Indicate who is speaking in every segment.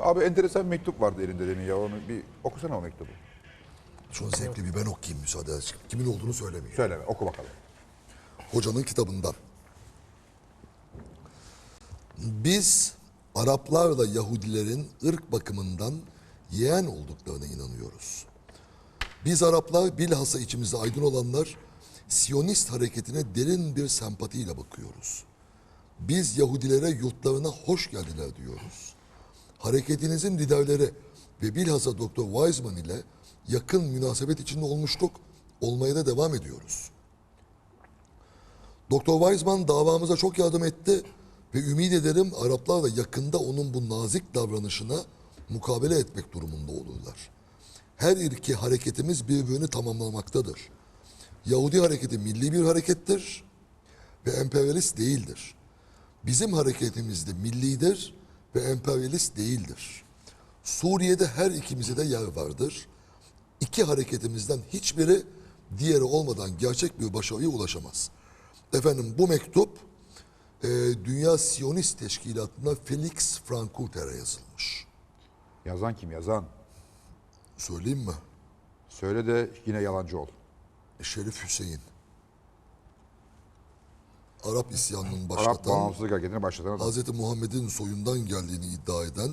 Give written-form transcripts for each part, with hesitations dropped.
Speaker 1: Abi enteresan bir mektup vardı elinde demin ya. Onu bir okusana o mektubu.
Speaker 2: Çok zevkli bir ben okuyayım müsaade edersin. Kimin olduğunu söylemiyor.
Speaker 1: Söyleme, oku bakalım.
Speaker 2: Hocanın kitabından. Biz Araplarla Yahudilerin ırk bakımından yeğen olduklarına inanıyoruz. Biz Araplar bilhassa içimizde aydın olanlar Siyonist hareketine derin bir sempatiyle bakıyoruz. Biz Yahudilere yurtlarına hoş geldiler diyoruz. Hareketinizin liderleri ve bilhassa Dr. Weizmann ile yakın münasebet içinde olmuştuk, olmaya da devam ediyoruz. Dr. Weizmann davamıza çok yardım etti ve ümit ederim Araplar da yakında onun bu nazik davranışına mukabele etmek durumunda olurlar. Her iki hareketimiz birbirini tamamlamaktadır. Yahudi hareketi milli bir harekettir ve emperyalist değildir. Bizim hareketimiz de millidir ve emperyalist değildir. Suriye'de her ikimize de yer vardır. İki hareketimizden hiçbiri diğeri olmadan gerçek bir başarıya ulaşamaz. Efendim bu mektup Dünya Siyonist Teşkilatı'na Felix Frankfurter'e yazılmış.
Speaker 1: Yazan kim yazan?
Speaker 2: Söyleyeyim mi?
Speaker 1: Söyle de yine yalancı ol.
Speaker 2: Şerif Hüseyin. Arap isyanının
Speaker 1: Arap
Speaker 2: başlatan,
Speaker 1: bağımsızlık hareketini başlatan adam.
Speaker 2: Hz. Muhammed'in soyundan geldiğini iddia eden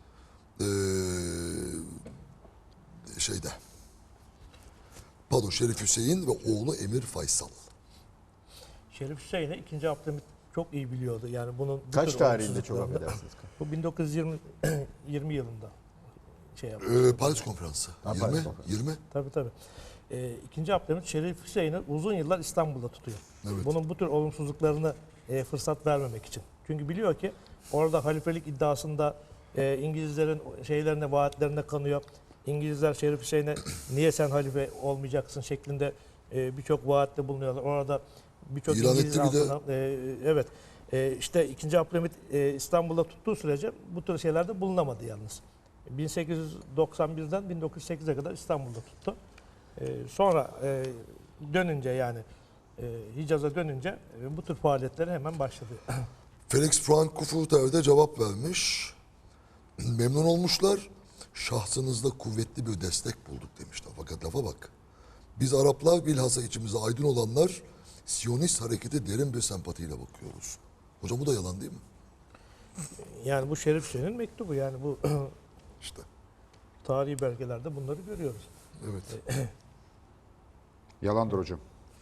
Speaker 2: Şerif Hüseyin ve oğlu Emir Faysal.
Speaker 3: Şerif Hüseyin'i 2. Abdülhamit çok iyi biliyordu. Yani bunun
Speaker 4: Kaç tarihinde çok affedersiniz?
Speaker 3: Bu 1920 yılında şey yaptı.
Speaker 2: Paris Konferansı.
Speaker 4: Ha,
Speaker 2: 20,
Speaker 4: Paris Konferansı.
Speaker 2: 20.
Speaker 3: Tabii. 2. Abdülhamit Şerif Hüseyin'i uzun yıllar İstanbul'da tutuyor.
Speaker 2: Evet.
Speaker 3: Bunun bu tür olumsuzluklarını fırsat vermemek için. Çünkü biliyor ki orada halifelik iddiasında İngilizlerin şeylerine, vaatlerine kanıyor. İngilizler Şerif Hüseyin'e niye sen halife olmayacaksın şeklinde birçok vaatte bulunuyorlar. Orada birçok
Speaker 2: İlan
Speaker 3: İngiliz
Speaker 2: etti bir de.
Speaker 3: altına, evet. İşte 2. Abdülhamit İstanbul'da tuttuğu sürece bu tür şeylerde bulunamadı yalnız. 1891'den 1908'e kadar İstanbul'da tuttu. Sonra dönünce yani Hicaz'a dönünce bu tür faaliyetlere hemen başladı.
Speaker 2: Felix Frankfurter de cevap vermiş. Memnun olmuşlar. Şahsınızda kuvvetli bir destek bulduk demişler. Fakat lafa bak. Biz Araplar bilhassa içimizde aydın olanlar Siyonist harekete derin bir sempatiyle bakıyoruz. Hocam bu da yalan değil mi?
Speaker 3: Yani bu Şerif Hüseyin'in mektubu yani bu
Speaker 2: İşte.
Speaker 3: tarihi belgelerde bunları görüyoruz.
Speaker 2: Evet.
Speaker 1: Yalandır hocam.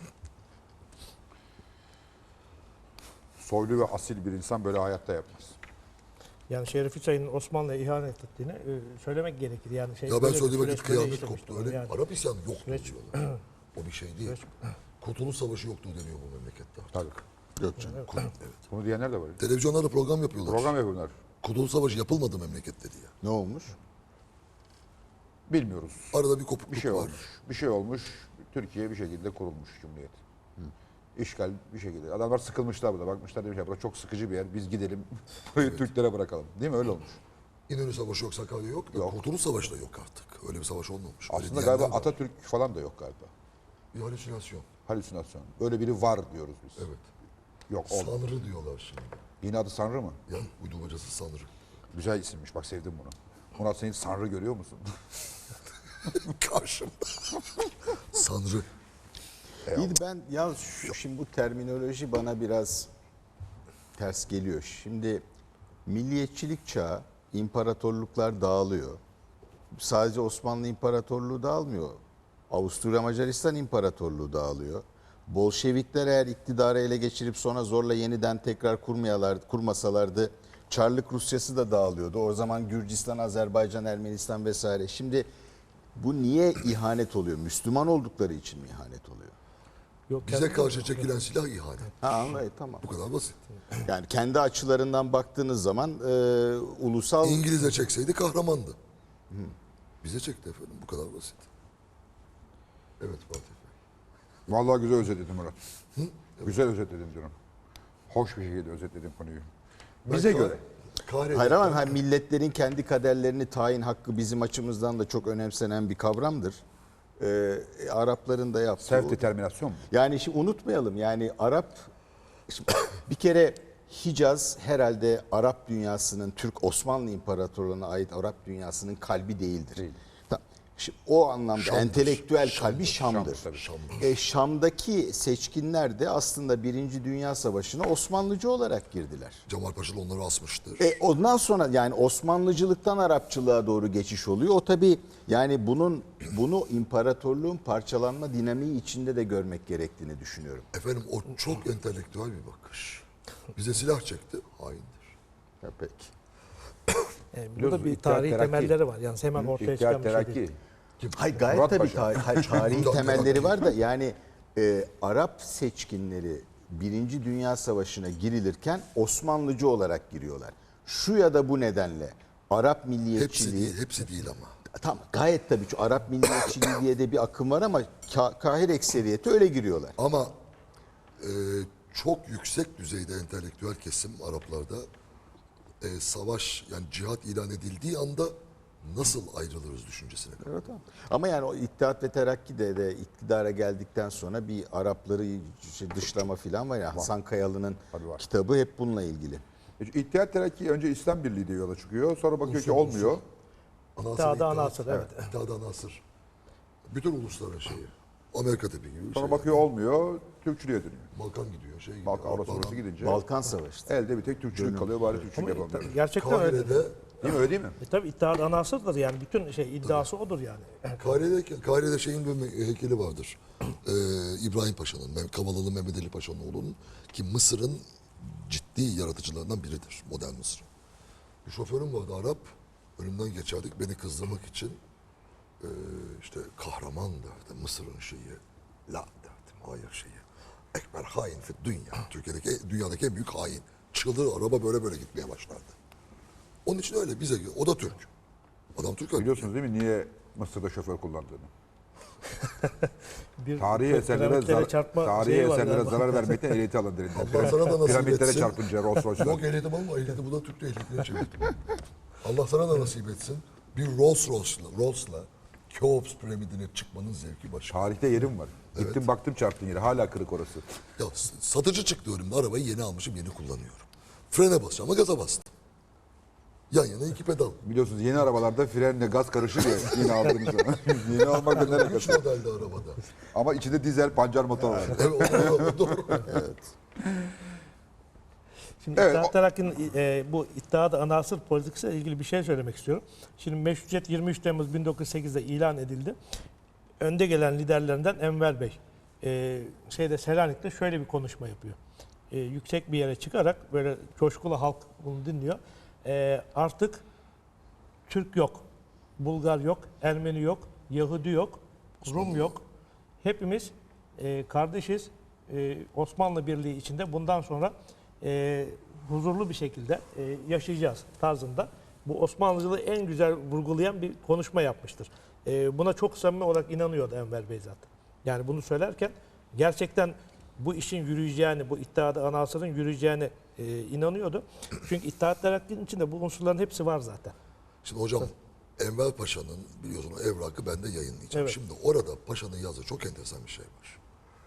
Speaker 1: Soylu ve asil bir insan böyle hayatta yapmaz.
Speaker 3: Yani Şerif Hüseyin'in Osmanlı'ya ihanet ettiğini söylemek gerekir. Yani şey
Speaker 2: Ya ben
Speaker 3: böyle bir
Speaker 2: söylediğim
Speaker 3: süreç
Speaker 2: vakit
Speaker 3: böyle
Speaker 2: kıyamet
Speaker 3: işlemiştir
Speaker 2: koptu. Öyle
Speaker 3: yani.
Speaker 2: Arap isyanı yoktu
Speaker 3: Süreç-
Speaker 2: diyorlar. O bir şey değil.
Speaker 3: Süreç-
Speaker 2: Kurtuluş Savaşı yoktu deniyor bu memlekette.
Speaker 1: Tabii.
Speaker 4: Yok canım.
Speaker 2: Evet.
Speaker 1: Bunu diyenler de var.
Speaker 2: Televizyonlarda program yapıyorlar.
Speaker 1: Program yapıyorlar.
Speaker 2: Kurtuluş Savaşı yapılmadı memlekette diye.
Speaker 4: Ne olmuş?
Speaker 1: Bilmiyoruz.
Speaker 2: Arada bir kopukluk
Speaker 1: Bir şey
Speaker 2: var.
Speaker 1: olmuş. Bir şey olmuş. Türkiye bir şekilde kurulmuş Cumhuriyet. İşgal bir şekilde. Adamlar sıkılmışlar burada. Bakmışlar demişler burada çok sıkıcı bir yer. Biz gidelim. Burayı Türklere bırakalım. Değil mi? Öyle olmuş.
Speaker 2: İnönü Savaşı yok, Sakarya yok.
Speaker 1: Yok.
Speaker 2: Kurtuluş Savaşı da yok artık. Öyle bir savaş olmamış. Öyle
Speaker 1: Aslında
Speaker 2: diyenler
Speaker 1: galiba
Speaker 2: var.
Speaker 1: Atatürk falan da yok galiba.
Speaker 2: Bir halüsinasyon.
Speaker 1: Halüsinasyon. Öyle biri var diyoruz biz.
Speaker 2: Evet.
Speaker 1: Yok oldu.
Speaker 2: Sanrı diyorlar şimdi.
Speaker 1: Yine adı Sanrı mı?
Speaker 2: Ya uydurmacası Sanrı.
Speaker 1: Güzel isimmiş. Bak sevdim bunu. Murat senin Sanrı görüyor musun?
Speaker 2: Karşımda. Sanrı.
Speaker 4: İyi de ben ya şimdi bu terminoloji bana biraz ters geliyor. Şimdi milliyetçilik çağı, imparatorluklar dağılıyor. Sadece Osmanlı İmparatorluğu dağılmıyor. Avusturya Macaristan İmparatorluğu dağılıyor. Bolşevikler eğer iktidarı ele geçirip sonra zorla yeniden tekrar kurmasalardı Çarlık Rusyası da dağılıyordu. O zaman Gürcistan, Azerbaycan, Ermenistan vesaire. Şimdi bu niye ihanet oluyor? Müslüman oldukları için mi ihanet oluyor?
Speaker 3: Yok,
Speaker 2: Bize
Speaker 3: kendi-
Speaker 2: karşı çekilen silah ihanet.
Speaker 4: Ha anlayın tamam.
Speaker 2: Bu kadar basit.
Speaker 4: Yani kendi açılarından baktığınız zaman ulusal
Speaker 2: İngiliz'e çekseydi kahramandı. Bize çekti efendim. Bu kadar basit. Evet Fatih Bey.
Speaker 1: Vallahi güzel özetledin Murat. Güzel özetledin diyorum. Hoş bir şekilde özetledin konuyu. Bize göre.
Speaker 4: hayır ama hani milletlerin kendi kaderlerini tayin hakkı bizim açımızdan da çok önemsenen bir kavramdır. Arapların da yaptığı.
Speaker 1: Self determinasyon mu?
Speaker 4: Yani şimdi unutmayalım yani Arap şimdi bir kere Hicaz herhalde Arap dünyasının, Türk Osmanlı İmparatorluğu'na ait Arap dünyasının kalbi değildir. Şimdi o anlamda
Speaker 2: Şam'dır.
Speaker 4: entelektüel kalbi Şam'dır.
Speaker 1: Şam'dır.
Speaker 4: Şam'daki seçkinler de aslında Birinci Dünya Savaşı'na Osmanlıcı olarak girdiler.
Speaker 2: Cemal Paşa onları asmıştır.
Speaker 4: Ondan sonra yani Osmanlıcılıktan Arapçılığa doğru geçiş oluyor. O tabii yani bunu imparatorluğun parçalanma dinamiği içinde de görmek gerektiğini düşünüyorum.
Speaker 2: Efendim o çok entelektüel bir bakış. Bize silah çekti, haindir.
Speaker 4: Ya peki.
Speaker 3: Burada
Speaker 1: Biliyorsunuz,
Speaker 3: bir
Speaker 1: İttihat
Speaker 3: tarihi
Speaker 1: Terakki.
Speaker 3: temelleri var. Yani hemen ortaya çıkan
Speaker 1: İhtiyar
Speaker 3: bir şey değil.
Speaker 1: Terakki.
Speaker 4: Hayır gayet
Speaker 1: Murat
Speaker 4: tabii
Speaker 1: Paşa.
Speaker 4: tarihi temelleri var da yani Arap seçkinleri Birinci Dünya Savaşı'na girilirken Osmanlıcı olarak giriyorlar. Şu ya da bu nedenle Arap milliyetçiliği...
Speaker 2: Hepsi değil ama.
Speaker 4: Tamam gayet tabii ki Arap milliyetçiliği diye de bir akım var ama kahir ekseriyeti öyle giriyorlar.
Speaker 2: Ama çok yüksek düzeyde entelektüel kesim Araplarda savaş yani cihat ilan edildiği anda nasıl ayrılırız düşüncesine kadar.
Speaker 4: Evet, tamam. Ama yani o İttihat ve Terakki de iktidara geldikten sonra bir Arapları dışlama falan var ya Hasan Kayalı'nın
Speaker 1: Tabii var.
Speaker 4: kitabı hep bununla ilgili.
Speaker 1: İttihat Terakki önce İslam Birliği diye yola çıkıyor. Sonra bakıyor ki olmuyor.
Speaker 3: İttihat-ı Anasır, evet.
Speaker 2: İttihat-ı Anasır. Bütün ulusların şeyi. Amerika tipi gibi bir
Speaker 1: Sonra
Speaker 2: şey.
Speaker 1: bakıyor olmuyor. Türkçülüğe dönüyor.
Speaker 2: Balkan gidiyor. Şey gidiyor.
Speaker 1: Balkan orası orası gidince
Speaker 4: Balkan Savaşı.
Speaker 1: elde bir tek Türkçülük kalıyor. Bari Türkçülük yapalım.
Speaker 3: Gerçekten öyle.
Speaker 2: Kahire'de,
Speaker 1: Değil mi öyle değil mi?
Speaker 3: Tabii İttihat-ı Anasır'dır yani bütün iddiası odur yani.
Speaker 2: Kahire'de şeyin bir heykeli vardır. İbrahim Paşa'nın, Kavalalı Mehmet Ali Paşa'nın oğlunun ki Mısır'ın ciddi yaratıcılarından biridir. Modern Mısır. Bir şoförüm vardı Arap. Önümden geçerdik beni kızdırmak için. İşte kahraman derdi Mısır'ın şeyi. La derdim. Hayır şeyi. Ekber hain fi dünya. Dünyadaki en büyük hain. Çıldır araba böyle gitmeye başlardı. Onun için öyle bize o da Türk. Adam Türk.
Speaker 1: Biliyorsunuz değil mi niye Mısır'da şoför kullandığını?
Speaker 3: Bir
Speaker 1: Tarihi eserlere,
Speaker 3: piramitlere çarpma
Speaker 1: tarihi
Speaker 3: şeyi var
Speaker 1: eserlere
Speaker 3: galiba.
Speaker 1: zarar vermekten ehliyeti alın derinden.
Speaker 2: Allah sana da nasip
Speaker 1: Piramitlere
Speaker 2: etsin.
Speaker 1: çarpınca Rolls Royce'lar.
Speaker 2: Yok ehliyetim ama ehliyeti bu da Türk'te ehliyetine çevirdim. Allah sana da nasip etsin. Bir Rolls'la Keops piramidine çıkmanın zevki başka.
Speaker 1: Tarihte yerim var. Gittim baktım çarptığın yere. Hala kırık orası.
Speaker 2: Ya satıcı çıktı önümde arabayı yeni almışım yeni kullanıyorum. Frene basacağım ama gaza bastım. Yan yana iki pedal.
Speaker 1: Biliyorsunuz yeni arabalarda frenle gaz karışır ya yeni aldığınız zaman. Yeni almak da ne
Speaker 2: Üç
Speaker 1: alakası?
Speaker 2: modelde arabada.
Speaker 1: Ama içinde dizel pancar motor var.
Speaker 2: Evet, o doğru.
Speaker 3: Şimdi
Speaker 1: Evet,
Speaker 3: İttihat Terakki'nin bu İttihat-ı Anasır politikasıyla ilgili bir şey söylemek istiyorum. Şimdi meşrutiyet 23 Temmuz 1908'de ilan edildi. Önde gelen liderlerinden Enver Bey Selanik'te şöyle bir konuşma yapıyor. Yüksek bir yere çıkarak böyle coşkulu halk bunu dinliyor. Artık Türk yok, Bulgar yok, Ermeni yok, Yahudi yok, Rum yok. Hepimiz kardeşiz. Osmanlı Birliği içinde bundan sonra huzurlu bir şekilde yaşayacağız tarzında. Bu Osmanlıcılığı en güzel vurgulayan bir konuşma yapmıştır. Buna çok samimi olarak inanıyordu Enver Bey zaten. Yani bunu söylerken gerçekten bu işin yürüyeceğini, bu İttihat-ı Anasır'ın yürüyeceğine inanıyordu. Çünkü İttihat Terakki'nin içinde bu unsurların hepsi var zaten.
Speaker 2: Şimdi hocam Enver Paşa'nın biliyorsun o evrakı ben de yayınlayacağım.
Speaker 3: Evet.
Speaker 2: Şimdi orada Paşa'nın yazdığı çok enteresan bir şey var.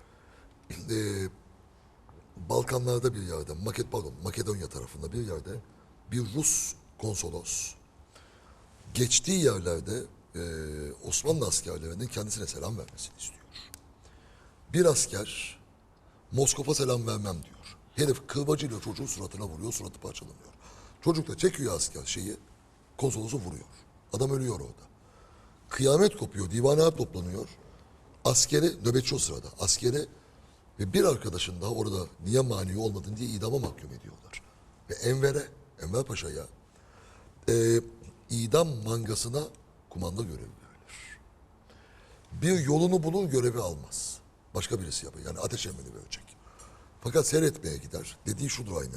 Speaker 2: Balkanlarda bir yerde, Makedonya tarafında bir yerde bir Rus konsolos geçtiği yerlerde Osmanlı askerlerinin kendisine selam vermesini istiyor. Bir asker Moskova selam vermem diyor. Herif kırbacıyla çocuğun suratına vuruyor, suratı parçalanıyor. Çocuk da çekiyor asker konsolosu vuruyor. Adam ölüyor orada. Kıyamet kopuyor, divanlar toplanıyor. Askeri, nöbetçi o sırada, askeri ve bir arkadaşın daha orada niye mani olmadın diye idama mahkum ediyorlar. Ve Enver Paşa'ya idam mangasına kumanda görevi verilir. Bir yolunu bulun görevi almaz. Başka birisi yapıyor. Yani ateş emrini verecek. Fakat seyretmeye gider. Dediği şudur aynen.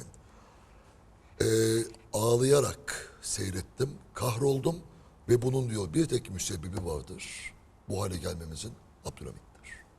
Speaker 2: Ağlayarak seyrettim, kahroldum ve bunun diyor bir tek müsebbibi vardır. Bu hale gelmemizin Abdülhamit'tir.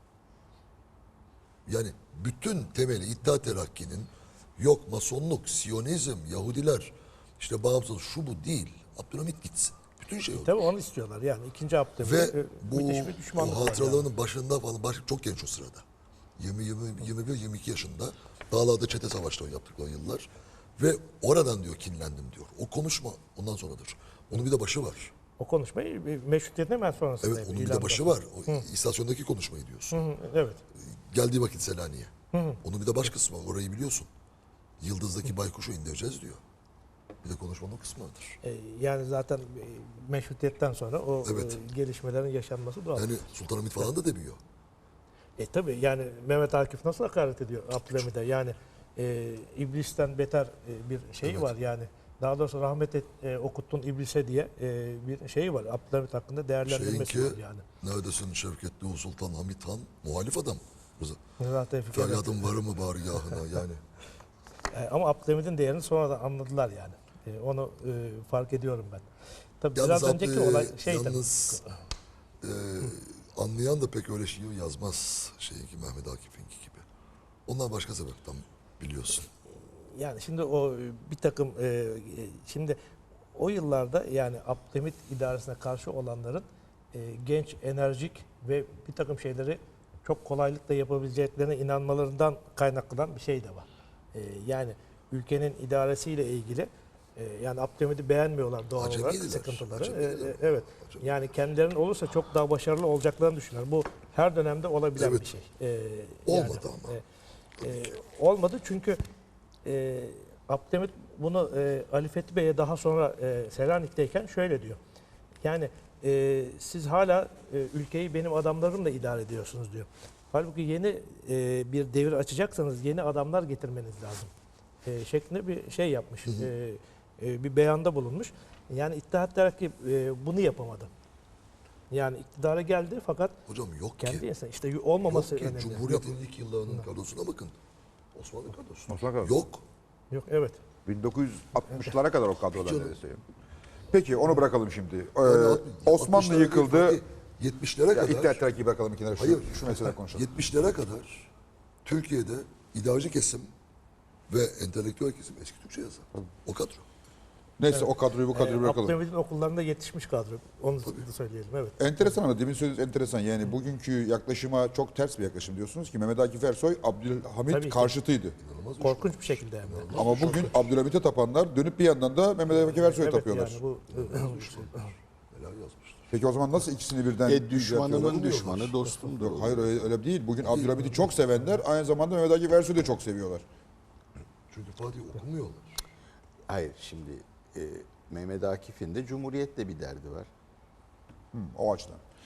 Speaker 2: Yani bütün temeli İttihat Terakki'nin yok masonluk, Siyonizm, Yahudiler, işte bağımsız şu bu değil. Abdülhamit gitsin. Bütün şey oldu.
Speaker 3: Tabii onu istiyorlar yani. İkinci Abdülhamit
Speaker 2: Ve bu
Speaker 3: müthiş bir düşmanlık
Speaker 2: o
Speaker 3: var
Speaker 2: hatıralarının başında falan çok genç o sırada. 21-22 yaşında Dağlarda çete savaşları yaptık o yıllar. Ve oradan diyor kinlendim diyor. O konuşma ondan sonradır. Onun bir de başı var.
Speaker 3: O konuşmayı meşrutiyetin hemen sonrasında.
Speaker 2: Evet onun bir
Speaker 3: ilan
Speaker 2: de başı var. O istasyondaki konuşmayı diyorsun.
Speaker 3: Hı, evet.
Speaker 2: Geldiği vakit Selanik'e. Onun bir de baş kısmı var. Orayı biliyorsun. Yıldız'daki baykuşu indireceğiz diyor. Bir de konuşmanın o kısmı vardır.
Speaker 3: Yani zaten meşrutiyetten sonra o
Speaker 2: Evet.
Speaker 3: gelişmelerin yaşanması doğal.
Speaker 2: Yani Sultanahmet falan da demiyor.
Speaker 3: Tabii yani Mehmet Akif nasıl hakaret ediyor Abdülhamid'e? Yani iblisten beter bir şey var yani. Daha doğrusu okuttun iblise diye bir şey var. Abdülhamid hakkında değerlendirmesi
Speaker 2: Şeyinki
Speaker 3: var yani.
Speaker 2: neredesin Şevketli Ulu Sultan Hamit Han muhalif adam.
Speaker 3: Zaten fikir-
Speaker 2: Feryatın varı mı bargahına yani.
Speaker 3: Ama Abdülhamid'in değerini sonradan anladılar yani. Onu fark ediyorum ben. Tabii
Speaker 2: Yalnız,
Speaker 3: biraz önceki olay şeydi.
Speaker 2: yalnız anlayan da pek öyle şiir yazmaz şeyinki Mehmet Akif'inki gibi. Onlar başka sebepten biliyorsun.
Speaker 3: Yani şimdi o bir takım şimdi o yıllarda yani Abdülhamit idaresine karşı olanların genç, enerjik ve bir takım şeyleri çok kolaylıkla yapabileceklerine inanmalarından kaynaklanan bir şey de var. Yani ülkenin idaresiyle ilgili yani Abdülhamit'i beğenmiyorlar doğal olarak
Speaker 2: Acemiydiler,
Speaker 3: sıkıntıları.
Speaker 2: acemiydiler.
Speaker 3: Evet.
Speaker 2: Acemi.
Speaker 3: Yani kendilerinin olursa çok daha başarılı olacaklarını düşünüyorlar. Bu her dönemde olabilen
Speaker 2: Evet.
Speaker 3: bir şey.
Speaker 2: Olmadı ama.
Speaker 3: Olmadı çünkü Abdülhamit bunu Ali Fethi Bey'e daha sonra Selanik'teyken şöyle diyor. Yani siz hala ülkeyi benim adamlarımla idare ediyorsunuz diyor. Halbuki yeni bir devir açacaksanız yeni adamlar getirmeniz lazım. Şeklinde bir şey yapmış. Bir beyanda bulunmuş. Yani İttihat Terakki bunu yapamadı. Yani iktidara geldi fakat
Speaker 2: Hocam yok
Speaker 3: kendi
Speaker 2: ki.
Speaker 3: insan işte olmaması
Speaker 2: Yok ki.
Speaker 3: önemli.
Speaker 2: Cumhuriyet'in ilk yıllarının kadrosuna bakın. Osmanlı kadrosu.
Speaker 1: Osmanlı kadrosu.
Speaker 2: Yok.
Speaker 3: Yok evet.
Speaker 1: 1960'lara kadar o kadroda neredeyse. Peki onu bırakalım şimdi.
Speaker 2: Yani
Speaker 1: Osmanlı
Speaker 2: 60'lara
Speaker 1: yıkıldı.
Speaker 2: değil, 70'lere
Speaker 1: Ya
Speaker 2: kadar.
Speaker 1: İttihat Terakki'yi bırakalım kenara.
Speaker 2: Hayır.
Speaker 1: Şu mesele konuşalım.
Speaker 2: 70'lere kadar Türkiye'de idareci kesim ve entelektüel kesim eski Türkçe yazar. O kadro.
Speaker 1: Neyse o kadroyu bu kadroyu bırakalım.
Speaker 3: Abdülhamid'in okullarında yetişmiş kadro. Onu da söyleyelim evet.
Speaker 1: Enteresan ama demin söylediğiniz enteresan. Yani bugünkü yaklaşıma çok ters bir yaklaşım diyorsunuz ki Mehmet Akif Ersoy Abdülhamit
Speaker 3: Tabii ki.
Speaker 1: karşıtıydı.
Speaker 3: Korkunç bir şekilde hem de.
Speaker 1: Ama bugün Abdülhamit'e tapanlar dönüp bir yandan da Mehmet Akif Ersoy'a
Speaker 3: Evet
Speaker 1: tapıyorlar.
Speaker 3: yani bu
Speaker 2: Neler yazmıştır.
Speaker 1: Peki o zaman nasıl ikisini birden
Speaker 4: Düşmanımın
Speaker 1: yapıyorlar?
Speaker 4: düşmanı dostumdur.
Speaker 1: Yok, hayır öyle değil. Bugün Abdülhamit'i çok sevenler aynı zamanda Mehmet Akif Ersoy'u da çok seviyorlar.
Speaker 2: Çünkü Fatih okumuyorlar.
Speaker 4: Hayır şimdi Mehmet Akif'in de Cumhuriyet'le bir derdi var.
Speaker 1: O açıdan.